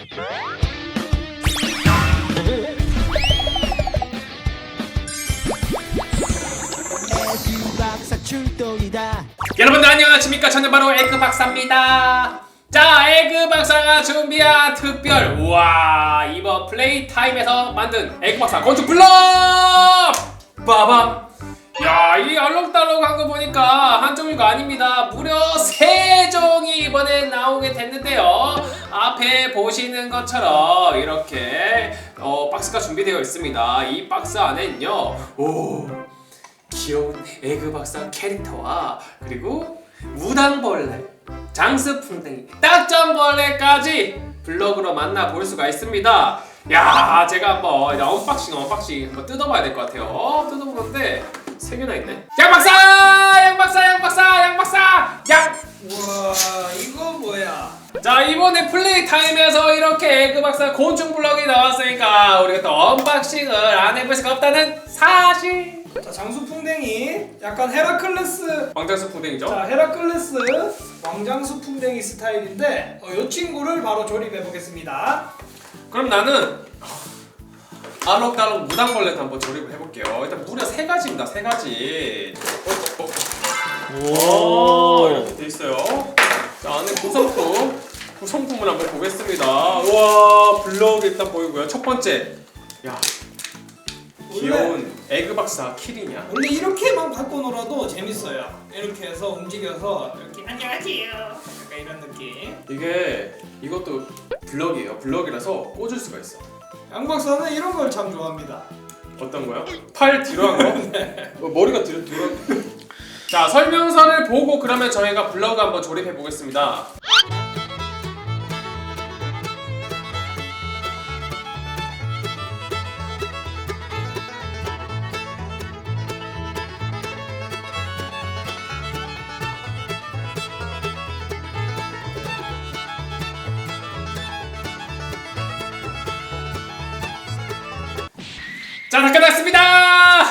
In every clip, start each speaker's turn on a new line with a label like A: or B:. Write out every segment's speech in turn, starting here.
A: 여러분들 안녕하십니까? 저는 바로 에그 박사입니다. 자, 에그 박사가 준비한 특별, 우와, 이번 플레이 타임에서 만든 에그 박사 건축 블럭! 빠밤! 야, 이 알록달록한 거 보니까 한 종류가 아닙니다. 무려 3종이 이번에 나오게 됐는데요. 앞에 보시는 것처럼 이렇게 박스가 준비되어 있습니다. 이 박스 안에는요, 귀여운 에그 박사 캐릭터와 그리고 무당벌레, 장수풍뎅이, 딱정벌레까지 블럭으로 만나볼 수가 있습니다. 야, 제가 한번 이제 언박싱 한번 뜯어봐야 될 것 같아요. 뜯어보는데 3개나 있네. 양박사!
B: 우와, 이거 뭐야?
A: 자, 이번에 플레이 타임에서 이렇게 에그 박사 곤충 블럭이 나왔으니까 우리가 또 언박싱을 안 해볼 수가 없다는 사실.
B: 자, 장수풍뎅이 약간 헤라클레스.
A: 왕장수풍뎅이죠?
B: 자, 헤라클레스 왕장수풍뎅이 스타일인데 이 친구를 바로 조립해 보겠습니다.
A: 그럼 나는 알록달록 무당벌레도 한번 조립을 해볼게요. 일단 무려 3가지입니다. 3가지. 오, 이렇게 돼 있어요. 자, 안에 구성품을 한번 보겠습니다. 우와, 블럭이 일단 보이고요. 첫 번째, 야, 귀여운 에그 박사 키리냐.
B: 원래 이렇게만 갖고 놀아도 재밌어요. 이렇게 해서 움직여서 이렇게 안녕하세요. 약간 이런 느낌.
A: 이것도 블럭이에요. 블럭이라서 꽂을 수가 있어.
B: 양 박사는 이런 걸 참 좋아합니다.
A: 어떤 거요? 팔 뒤로 한 거? 머리가 뒤로. 자, 설명서를 보고 그러면 저희가 블럭 한번 조립해 보겠습니다. 자, 다 끝났습니다!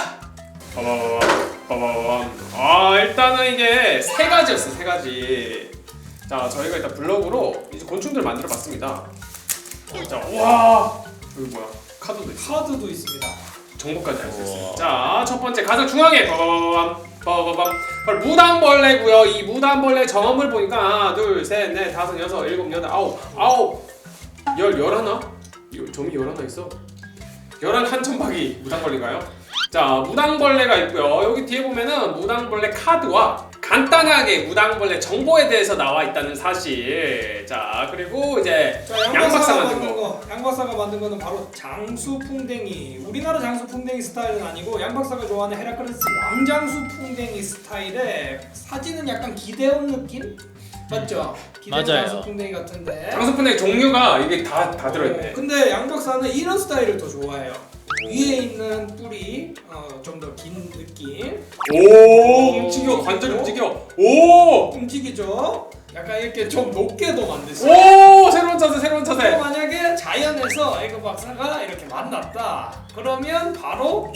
A: 일단은 이게 3가지였어, 3가지. 자, 저희가 일단 블럭으로 이제 곤충들 만들어 봤습니다. 자, 와! 여기 뭐야? 카드도 있어.
B: 카드도 있습니다.
A: 정보까지 알 수 있어요. 자, 첫 번째 가장 중앙에 바로 무당벌레고요. 이 무당벌레 정원을 보니까 하나, 둘, 셋, 넷, 다섯, 여섯, 일곱, 여덟, 아홉, 열하나? 점이 11나 있어. 11,000박이 무당벌레인가요? 자, 무당벌레가 있고요. 여기 뒤에 보면은 무당벌레 카드와 간단하게 무당벌레 정보에 대해서 나와 있다는 사실. 자, 그리고 이제 양박사 만든 거.
B: 양박사가 만든 거는 바로 장수풍뎅이. 우리나라 장수풍뎅이 스타일은 아니고 양박사가 좋아하는 헤라클레스 왕장수풍뎅이 스타일의 사진은 약간 기대온 느낌? 맞죠? 기대온
C: 맞아요.
B: 장수풍뎅이 같은데.
A: 장수풍뎅이 종류가 이게 다 들어있네.
B: 근데 양박사는 이런 스타일을 더 좋아해요. 위에 있는 뿔이 좀 더 긴 느낌.
A: 오, 움직여. 관절이 움직여. 오!
B: 움직이죠? 약간 이렇게 좀 높게도 만들 수
A: 오! 새로운 차세.
B: 만약에 자연에서 에그 박사가 이렇게 만났다. 그러면 바로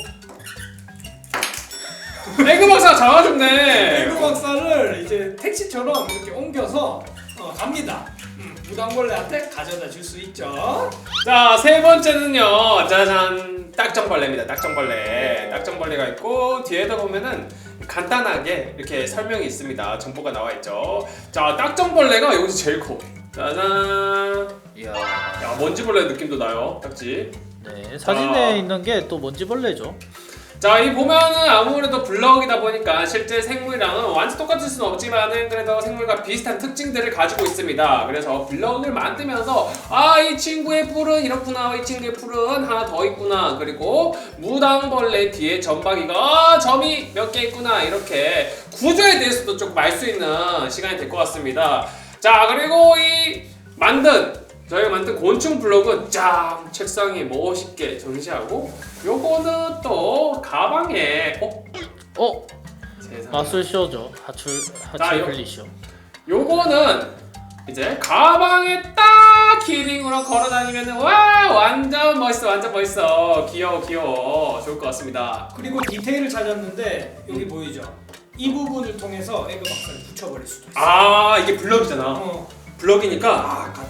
A: 에그 박사가 잡아줬네.
B: 에그 박사를 이제 택시처럼 이렇게 옮겨서 갑니다. 무당벌레한테 가져다 줄 수 있죠.
A: 자, 3번째는요. 짜잔. 딱정벌레입니다. 딱정벌레가 있고 뒤에다 보면은 간단하게 이렇게 설명이 있습니다. 정보가 나와 있죠. 자, 딱정벌레가 여기서 제일 커. 짜잔.
C: 이야.
A: 야, 먼지벌레 느낌도 나요. 딱지.
C: 네, 사진에 있는 게 또 먼지벌레죠.
A: 자, 이 보면은 아무래도 블럭이다 보니까 실제 생물이랑은 완전 똑같을 수는 없지만은 그래도 생물과 비슷한 특징들을 가지고 있습니다. 그래서 블럭을 만들면서 이 친구의 뿔은 이렇구나, 이 친구의 뿔은 하나 더 있구나, 그리고 무당벌레 뒤에 점박이가 점이 몇 개 있구나, 이렇게 구조에 대해서도 조금 알 수 있는 시간이 될 것 같습니다. 자, 그리고 저희가 만든 곤충 블럭은 짠! 책상에 멋있게 전시하고 요거는 또 가방에 세상에.
C: 마술쇼죠. 하출 클리쇼.
A: 요거는 이제 가방에 딱 키링으로 걸어다니면은 와 완전 멋있어. 귀여워. 좋을 것 같습니다.
B: 그리고 디테일을 찾았는데 여기 보이죠? 이 부분을 통해서 에그 박사를 붙여버릴 수도 있어.
A: 이게 블럭이잖아. 블럭이니까
B: 같이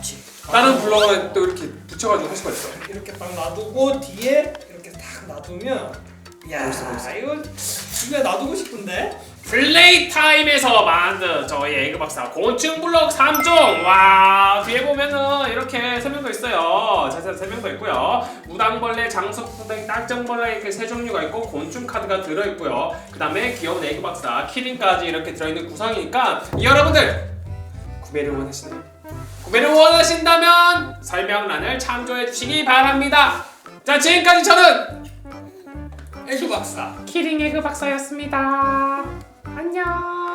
A: 다른 블럭을 또 이렇게 붙여가지고 할 수가 있어.
B: 이렇게 딱 놔두고 뒤에 이렇게 딱 놔두면 야 이거 집에 놔두고 싶은데.
A: 플레이 타임에서 만든 저희 에그 박사 곤충 블럭 3종. 와 뒤에 보면은 이렇게 설명도 있어요. 자세한 설명도 있고요. 무당벌레, 장수풍뎅이, 딱정벌레 이렇게 세 종류가 있고 곤충 카드가 들어있고요. 그 다음에 귀여운 에그 박사 키링까지 이렇게 들어있는 구성이니까 여러분들 구매를 원하시나요? 구매를 원하신다면 설명란을 참조해 주시기 바랍니다. 자 지금까지 저는
B: 에그 박사.
A: 키링 에그 박사였습니다. 안녕.